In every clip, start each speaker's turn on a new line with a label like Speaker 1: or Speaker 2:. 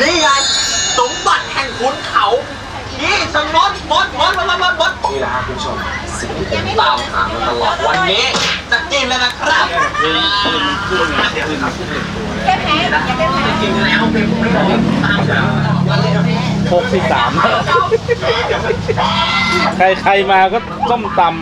Speaker 1: นี่ไงสมบัติแห่งขุนเขานี่สมดมดนี่แหละครับคุณผู้ชมสิ่งที่ผมตามหามาตลอดวันนี้จะกินแล้วนะครับ
Speaker 2: แค่แพ้อย่าแค่แพ้
Speaker 1: กินแล้วเป็นผมไม่ได้ตามหา
Speaker 3: 63ใครมาก็ส้มตำ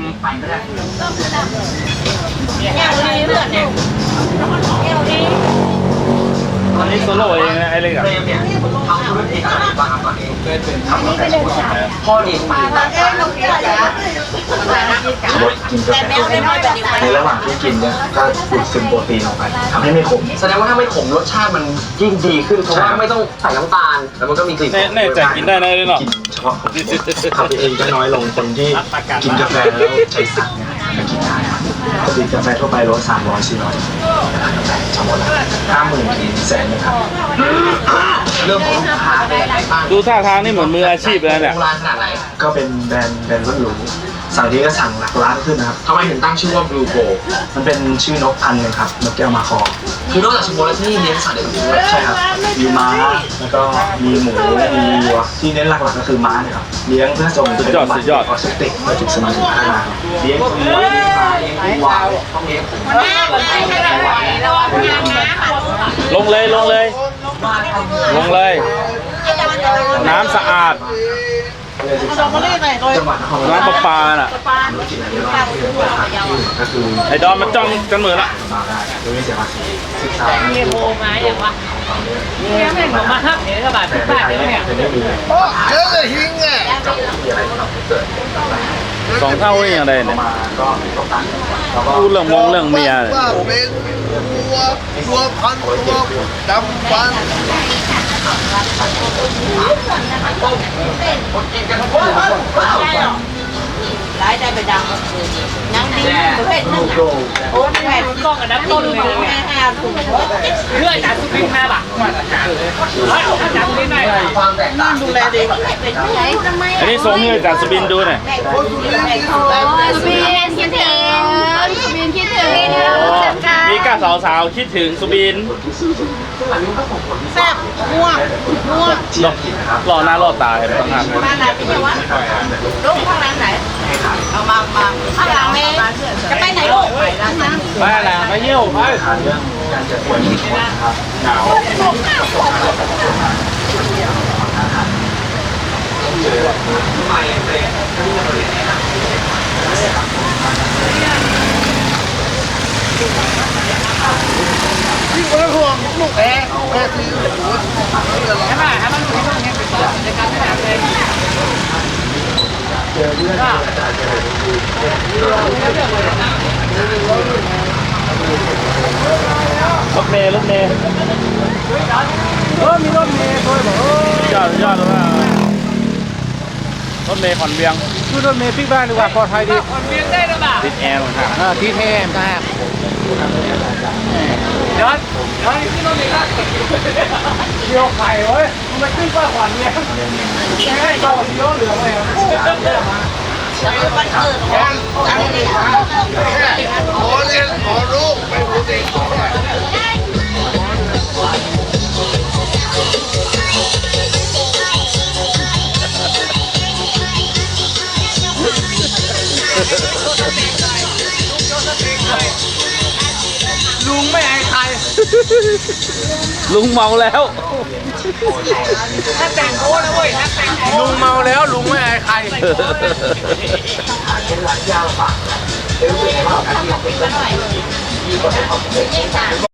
Speaker 2: แก้วดีเพื่อนเนี่ยแก้วดี
Speaker 3: อันนี้โซโล่เองนะไอ้เล็กอะ
Speaker 1: เนี่ยทำธุรกิจอะไรบ้างครับตอนนี้ทำกาแฟพ่อเลี้ยงมา
Speaker 2: ลงเยอะจ้ะ
Speaker 4: ลดกินกาแฟในระหว่างที่กินเนี่ยก็ดูดซึมโปรตีนออกไปทำให้ไม่ขม
Speaker 1: แสดงว่าถ้าไม่ขมรสชาติมันยิ่งดีขึ้นเพราะว่าไม่ต้องใส่น้ำตาลแล้วมันก็มีกลิ่น
Speaker 3: แน่ใจกินได้นะเลยเนาะ
Speaker 4: กินเฉพาะคนคาเฟอีนก็น้อยลงคนที่กินกาแฟแล้วใช้สักเนี่ยจะกินได้ปกติกาแฟทั่วไปรส300-400ทั้งหมดละ50,000 ถึง100,000นะครับ
Speaker 1: เรื่องของลูกค้าเป็นยังไงบ้าง
Speaker 3: ดูท่าทางนี่เหมือนมืออาชีพเลยเนี่ย
Speaker 1: ร้านขนาดไหน
Speaker 4: ก็เป็นแบรนด์รุ่นหรูสั่งทีก็สั่งหลักล้านขึ้นนะครับ
Speaker 1: ทำไมถึงตั้งชื่อว่า Blue Go
Speaker 4: มันเป็นชื่อนกพันธุ์นึงครับนกแก้วมาคอ
Speaker 1: คือนอกจากชิโมแล้วที่นี่เลี้ยงสัตว์อื่นด้วย
Speaker 4: ใช่ครับมีม้าแล้วก็มีหมูมีวัวที่เน้นหลักๆก็คือม้าเนี่ยครับเลี้ยงเพื่อส่งเป็นบัตรออสติกเพื่อจุดสมาธิพัฒนา
Speaker 1: เลี้ยงวัวเลี้ยงม้าเลี้ยงวัวต้องเลี้ยง
Speaker 3: ลงเลยน้ำสะอาดน้ำประปาน่ะไอ้ดอนมันจ้องกันเหมือนละ
Speaker 2: เฮียโบมาอย่างวะเฮียแม่งมาฮับเนี่ยกระบาดทุกบาทเลยเนี่ย
Speaker 5: เยอะเลยหิงอ่ะ
Speaker 3: 2 เท่าอย่างไรเนี่ยพูดเรื่องเมีย
Speaker 5: ว่าเป็นตัวพันตัวดำฟัน
Speaker 2: ร้ายได้ไปดังนั่งดีประเภทนึงโอ้แม่กล้องกับน้ำต้นเลยแม่5 ถุงเพื่อจากสุพินมาบ่ะจากสุพินได้
Speaker 1: ความแตกต่าง
Speaker 2: ดูแลดี
Speaker 3: อันนี้ส่งให้จากสุบินดูหน่อย
Speaker 2: สุบินคิดถึง
Speaker 3: มีก้าสาวคิดถึงสุบิน
Speaker 2: แซ่บม่วง
Speaker 3: รอหน้ารอตาเห็นไหมครับ
Speaker 2: บ้านไหนพี่เจ้าวะลูกข้างหลังไหนเอามาข้างหลังเลยจะไปไหนลูก
Speaker 3: ไปละไปเยี่ยวไป
Speaker 4: การจะป่วยมีคนครับหนาว
Speaker 5: ที่คนละห่วงลูกแพ้ที่หัว
Speaker 2: ใช่ไหมให้มันดูที่ตรงนี้เป็นในการแสดงเลย
Speaker 3: รถเมย์
Speaker 5: มีรถเมย์ด้วยบอก
Speaker 3: ยอดเลยว่ารถเมย์ขอนเวียง
Speaker 5: คือรถเมย์ปิ๊กบ้านดีกว่าปลอดภัยดี
Speaker 2: ขอนเวียงได้หรือเปล่า
Speaker 3: ติดแอร์เหมือนกัน
Speaker 5: ทีเทมครับ
Speaker 2: ย้อนที่รถเมย์
Speaker 5: เกี่ยวไข่เว้ยมันปิ๊กบ้านขวัญเนี่ยแค่ต่อเยอะเหลือเลยขอเรียนขอรู้ไปพูดเองลุงไม่อายใคร
Speaker 3: ลุงเมาแล้ว
Speaker 2: ถ้าแต่งโค้นะเว้ยถ้าแต่งโค้
Speaker 5: ลุงเมาแล้วลุงไม่อายใคร
Speaker 1: เป็นร้านยาวฝากเดี๋ยวเป็นไงบ้างที่เราเป็น